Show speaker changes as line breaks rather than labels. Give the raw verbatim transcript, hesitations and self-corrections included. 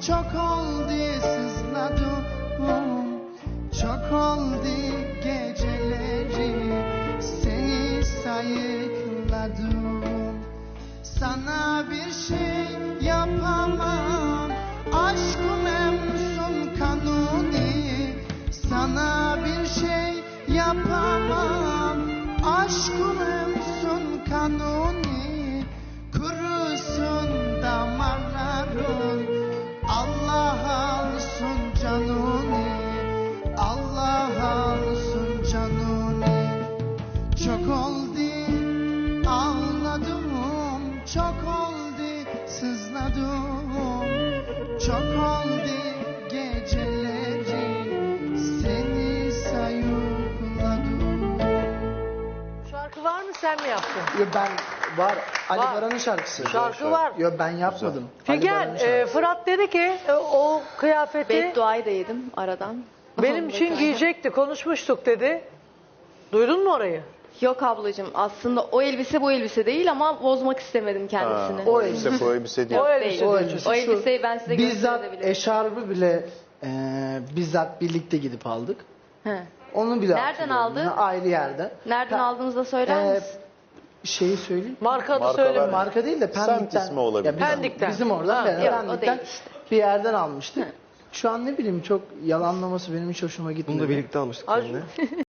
çok oldu sızladım, çok oldu geceleri seni sayıkladım. Sana bir şey yapamam, aşkım emsun kanuni. Sana bir şey yapamam, aşkım emsun kanuni. Kurusun damarların, Allah alsın canuni, Allah alsın canuni. Çok oldu ağladım, çok oldu sızladım, çok oldu geceleri seni sayıkladım.
Şarkı var mı, sen mi yaptın?
Yo, ben var Ali
Var.
Baran'ın şarkısı.
Şarkı var.
Yo, ben yapmadım. Ali
Figen,
Baran'ın
e,
şarkısı.
Fırat dedi ki e, o kıyafeti
Bedduayı da yedim aradan.
benim için giyecekti, konuşmuştuk dedi. Duydun mu orayı?
Yok ablacığım, aslında o elbise bu elbise değil ama bozmak istemedim kendisini.
Ha, o elbise bu elbise değil.
O
Yok,
elbise
değil.
diyor
O,
çocuk.
elbiseyi ben size
bizzat
gösterebilirim.
eşarbı bile e, bizzat birlikte gidip aldık.
He.
Onu bile
Nereden
hatırlıyorum.
aldın?
Yine ayrı yerde.
Nereden
Ha,
aldığınızı da söyler
e,
misin?
Şeyi söyleyeyim.
Marka da
Markalar-
söyleme.
Marka değil de
Semt
Pendik'ten.
ismi olabilir.
bizim,
Pendik'ten.
Bizim oradan.
Ha,
ben
yok, o
Pendik'ten
değil işte.
bir yerden almıştık. Şu an ne bileyim çok yalanlaması benim hiç hoşuma gitmedi.
Bunu da birlikte almıştık
Az-
seninle.